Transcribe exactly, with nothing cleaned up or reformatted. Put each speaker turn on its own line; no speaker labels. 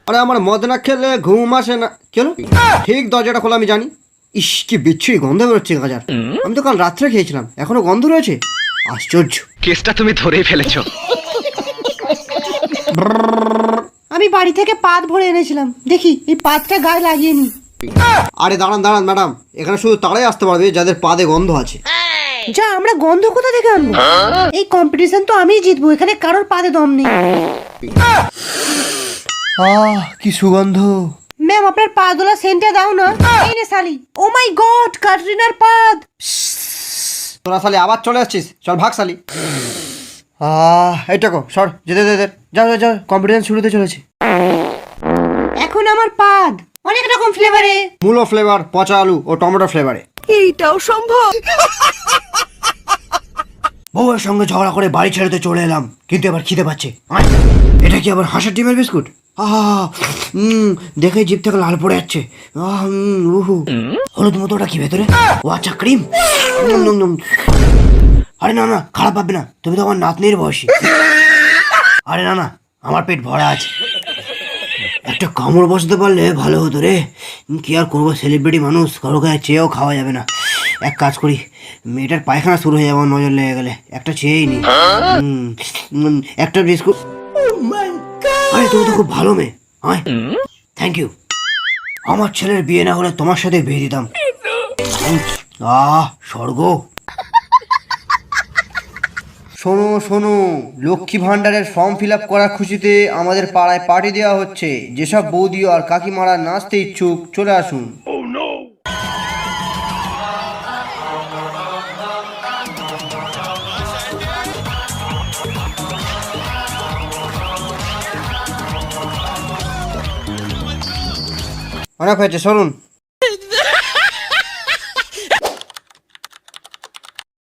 আরে আমার মদ না খেলে ঘুম আসে না। কেন? ঠিক দরজাটা খোলা আমি জানি। ইস কি বিচ্ছুরি গন্ধ বেরোচ্ছে গাজার। আমি তো কাল রাত্রে খেয়েছিলাম, এখনো গন্ধ রয়েছে। আশ্চর্য।
কেসটা তুমি ধরেই ফেলেছো।
আমি বাড়ি থেকে পাত ভরে এনেছিলাম, দেখি এই পাতটা গায়ে লাগিয়ে নি।
আরে দাঁড়ান দাঁড়ান ম্যাডাম, এখানে শুধু তারাই আসতে পারবে যাদের পাদে গন্ধ আছে।
যা, আমরা গন্ধ কোথা থেকে আনবো? এই কম্পিটিশন তো আমিই জিতবো, এখানে কারোর পাদে দম নেই।
আহ কি সুগন্ধ।
ম্যাম আপনার পা দোলা সেন্টটা দাও না। এই নে শালি। ও মাই গড, ক্যাটরিনার পাদ।
তোরা শালি আবার চলে আসছিস, চল ভাগ শালি। আহ এইটাকো সর, যেতে দে, যাও যাও যাও, কম্পিটিশন শুরু হতে চলেছে।
এখন আমার পাদ অনেক রকম ফ্লেভারে।
মূলো ফ্লেভার, পচা আলু ও টমেটো ফ্লেভারে।
এইটাও সম্ভব?
বউয়ের সঙ্গে ঝগড়া করে বাড়ি ছেড়েতে চলে এলাম, কিন্তু এবার খিদে পাচ্ছে। আয়, এটা কি আবার হাঁসের ডিমের বিস্কুট? আহ হুম দেখে জিভ থেকে লাল পড়ে যাচ্ছে। আহ হুম উহু হলুদ মতো, ওটা কি ভেতরে? ও আচ্ছা ক্রিম। আরে না না, খারাপ ভাববে না, তুমি তো আমার নাতনির বয়সী। আরে না না, আমার পেট ভরা আছে। একটা কামড় বসাতে পারলে ভালো হতো রে। কি আর করবো, সেলিব্রিটি মানুষ, কারো কাছে চেয়েও খাওয়া যাবে না। এক কাজ করি, মেয়েটার পায়খানা শুরু হয়ে যাবে নজর লেগে গেলে, একটা চেয়েই নি। একটা বিস্কুট। আরে তুমি তো খুব ভালো মেয়ে। আয়, থ্যাংক ইউ। আমার ছেলের বিয়ে না হলে তোমার সাথে বিয়ে দিতাম। আহ স্বর্গ। শোনো শোনো, লক্ষ্মী ভান্ডারের ফর্ম ফিল আপ করার খুশিতে আমাদের পাড়ায় পার্টি দেওয়া হচ্ছে। যেসব বৌদি আর কাকিমারা নাচতে ইচ্ছুক চলে আসুন। অনেক হয়েছে, সরুন।